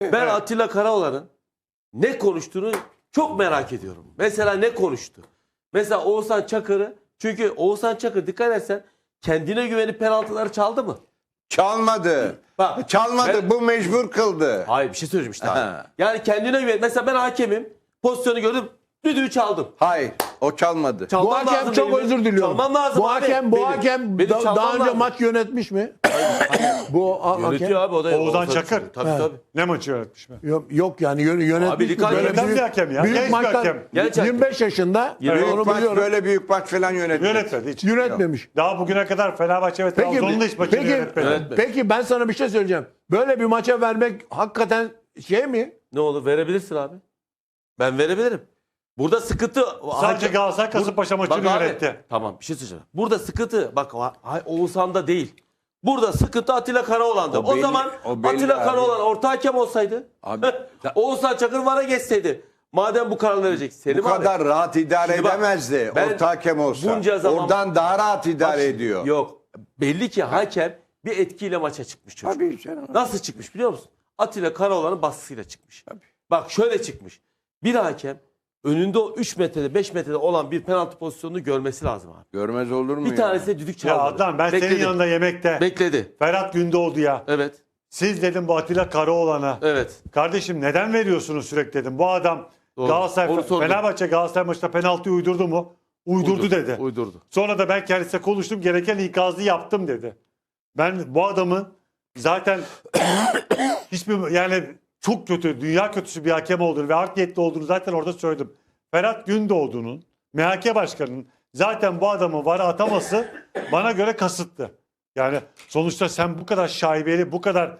Ben Atilla Karaoğlan'ın ne konuştuğunu çok merak ediyorum. Mesela ne konuştu? Mesela Oğuzhan Çakır'ı, çünkü Oğuzhan Çakır dikkat edersen kendine güvenip penaltıları çaldı mı? Çalmadı. Bak, Çalmadı. Bu mecbur kıldı. Hayır, bir şey söyleyeceğim işte abi. Ha. Yani kendine güven. Mesela ben hakemim. Pozisyonu gördüm. Düdüğü çaldım. Hayır. O çalmadı. Bu Çalmam hakem lazım çok benim. özür diliyorum. Çalmam lazım Bu abi. hakem Benim daha çalmam önce lazım. maç yönetmiş mi? Bu Yönetiyor hakem abi o da. Oğuzhan Çakır. Tabii He. tabii. Ne maçı yönetmiş mi? yok yani yönetmiş Abi mi? dikkat Böyle edin. Neden bir hakem ya? büyük Genç bir maçlar, hakem. Genç hakem. 25 yaşında Evet. onu Büyük maç, biliyorum. böyle büyük maç falan yönetmedi. Yönetmedi hiç. Yönetmemiş. Daha bugüne kadar Fenerbahçe ve Peki, Trabzon'un da hiç maçını peki, yönetmedi. Evet. peki ben sana bir şey söyleyeceğim. Böyle bir maça vermek hakikaten şey mi? Ne olur verebilirsin abi. Ben verebilirim. Burada sıkıntı... Sadece Galatasaray Kasımpaşa maçını Bak abi, yönetti. tamam bir şey söyleyeceğim. Burada sıkıntı bak Oğuzhan'da değil. Burada sıkıntı Atilla Karaoğlan'da. O O belli- zaman o belli Atilla abi. Karaoğlan orta hakem olsaydı. Abi, Oğuzhan Çakır VAR'a geçseydi. Madem bu karar verecek. Bu Selim abi. kadar rahat idare Şimdi bak, edemezdi. ben Orta hakem olsa. bunca zaman- Oradan daha rahat idare Bak, ediyor. Yok. Belli ki hakem bir etkiyle maça çıkmış çocuk. Tabii canım. Nasıl çıkmış biliyor musun? Atilla Karaoğlan'ın baskısıyla çıkmış. Tabii. Bak şöyle çıkmış. Bir hakem önünde o 3 metrede 5 metrede olan bir penaltı pozisyonunu görmesi lazım abi. Görmez olur mu Bir ya? tanesi de düdük Ya çaldı. Adnan ben Bekledi. senin yanında yemekte. Bekledi. Ferhat Gündoğdu ya. Evet. Siz dedim bu Atilla Karaoğlan'a. Evet. Kardeşim neden veriyorsunuz sürekli dedim. Bu adam Doğru. Galatasaray, Onu sordum. Fenerbahçe Galatasaray maçında penaltıyı uydurdu mu? Uydurdu dedi. Uydurdu. Sonra da ben kendisiyle konuştum. Gereken ikazı yaptım dedi. Ben bu adamın zaten hiçbir yani çok kötü, dünya kötüsü bir hakem olduğunu ve art niyetli olduğunu zaten orada söyledim. Ferhat Gündoğdu'nun, MHK Başkanı'nın zaten bu adamı VAR'a ataması bana göre kasıttı. Yani sonuçta sen bu kadar şaibeli, bu kadar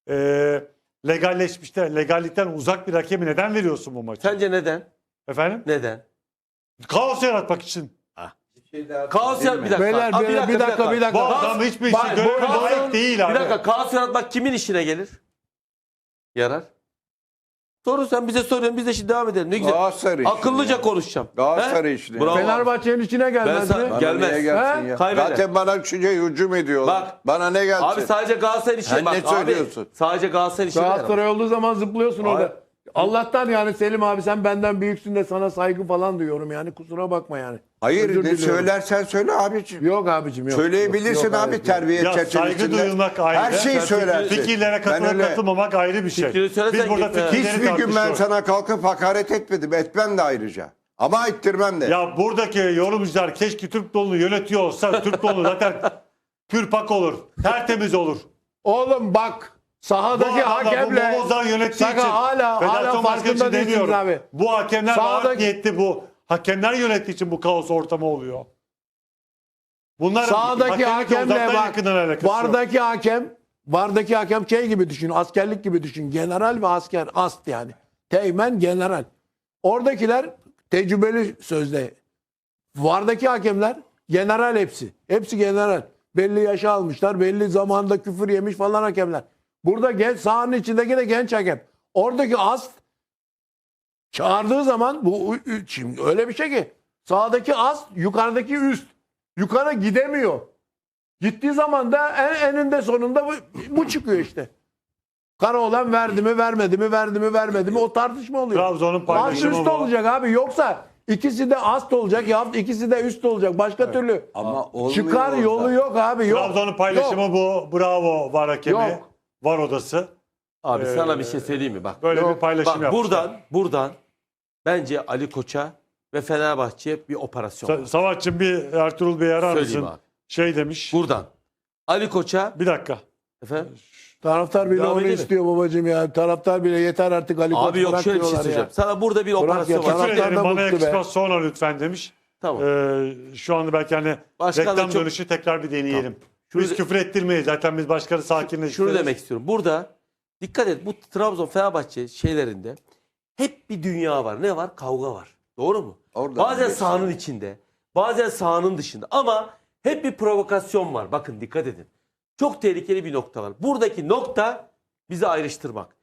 legalleşmiş de legallikten uzak bir hakemi neden veriyorsun bu maçı? Sence neden? Efendim? Neden? Kaos yaratmak için. Kaos yarat bir dakika. Beyler, Abi, bir dakika. Bu Kaos- adam hiçbir Bak, işi göreve bu- layık değil abi. Bir dakika kaos yaratmak kimin işine gelir? Yarar. Soru sen bize soruyorsun biz de şimdi devam edelim. Ne güzel. Galatasaray işi Akıllıca ya. konuşacağım. Galatasaray He? işi. Bravo. Fenerbahçe'nin içine gelmez Ben mi? sana- Bana Gelmez. niye gelsin He? ya? Kaybeder. Zaten bana hücum ediyorlar. Bak. Bana ne gelsin? Abi sadece Galatasaray işi. Sen Bak ne abi, söylüyorsun? sadece Galatasaray işi. Galatasaray olduğu zaman zıplıyorsun Abi- orada. Allah'tan yani Selim abi sen benden büyüksün de sana saygı falan duyuyorum yani kusura bakma yani. Hayır Özür ne diliyorum. söylersen söyle abiciğim. Yok abicim yok. Söyleyebilirsin Yok, abi hayır. terbiye Ya çerçevesinde. saygı duyulmak ayrı. Her şeyi Sen söylersin. Fikirlere Ben katılıp öyle- katılmamak ayrı bir şey. Fikrini söylesen Biz burada gitme. fikirleri Hiçbir gün ben tartışıyoruz. sana kalkıp hakaret etmedim. Etmem de ayrıca. Ama ettirmem de. Ya buradaki yorumcular keşke Türk dolunu yönetiyor olsa Türk dolunu zaten pürpak olur. Tertemiz olur. Oğlum bak sahadaki Bu adamlar bu hakemle Momozan yönettiği Sakın için. hala Federasyon farkında başkanı için değilsiniz demiyorum. abi. Bu hakemler Sahadaki- art niyetli bu. Hakemler yönettiği için bu kaos ortamı oluyor. Bunlar Sahadaki hakemle bak vardaki hakem şey gibi düşün, askerlik gibi düşün. General ve asker, ast yani. Teğmen, general. Oradakiler tecrübeli sözde. Vardaki hakemler general hepsi. Hepsi general. Belli yaşa almışlar, belli zamanda küfür yemiş falan hakemler. Burada genç, sahanın içindeki de genç hakem. Oradaki ast çağırdığı zaman şimdi öyle bir şey ki sağdaki ast yukarıdaki üst. Yukarı gidemiyor. Gittiği zaman da eninde sonunda bu çıkıyor işte. Karaoğlan verdi mi vermedi mi verdi mi vermedi mi o tartışma oluyor. Trabzon'un Ast paylaşımı üst bu. olacak abi yoksa ikisi de ast olacak ya ikisi de üst olacak başka türlü. Ama olmuyor Çıkar orada. yolu yok abi yok. Trabzon'un paylaşımı Yok. bu. Bravo var hakemi. Yok. Var odası. Abi sana bir şey söyleyeyim mi? Bak. Böyle Yok, bir paylaşım Bak yapmışlar. buradan bence Ali Koç'a ve Fenerbahçe'ye bir operasyon var. Savaşçım bir Ertuğrul Bey'i arar Söyleyeyim mısın? abi. Şey demiş. Buradan. Ali Koç'a Bir dakika. efendim. Taraftar bile Devam onu edelim. istiyor babacığım ya. Taraftar bile yeter artık Ali Koç Abi yok bırak şöyle bir şey diyorlar söyleyeceğim. ya. Sana burada bir operasyon ya, var. taraftar Küfür ederim da bana mutlu be. yakışmaz sonra lütfen demiş. Tamam. Şu anda belki hani Başkan da reklam çok- dönüşü tekrar bir deneyelim. Şunu Biz de- küfür ettirmeyiz. Zaten biz başkanı sakinleştiririz. Şunu demek istiyorum. Burada dikkat et bu Trabzon Fenerbahçe şeylerinde hep bir dünya var. Ne var? Kavga var. Doğru mu? Oradan Bazen biliyorsun. sahanın içinde, bazen sahanın dışında ama hep bir provokasyon var. Bakın dikkat edin. Çok tehlikeli bir nokta var. Buradaki nokta bizi ayrıştırmak.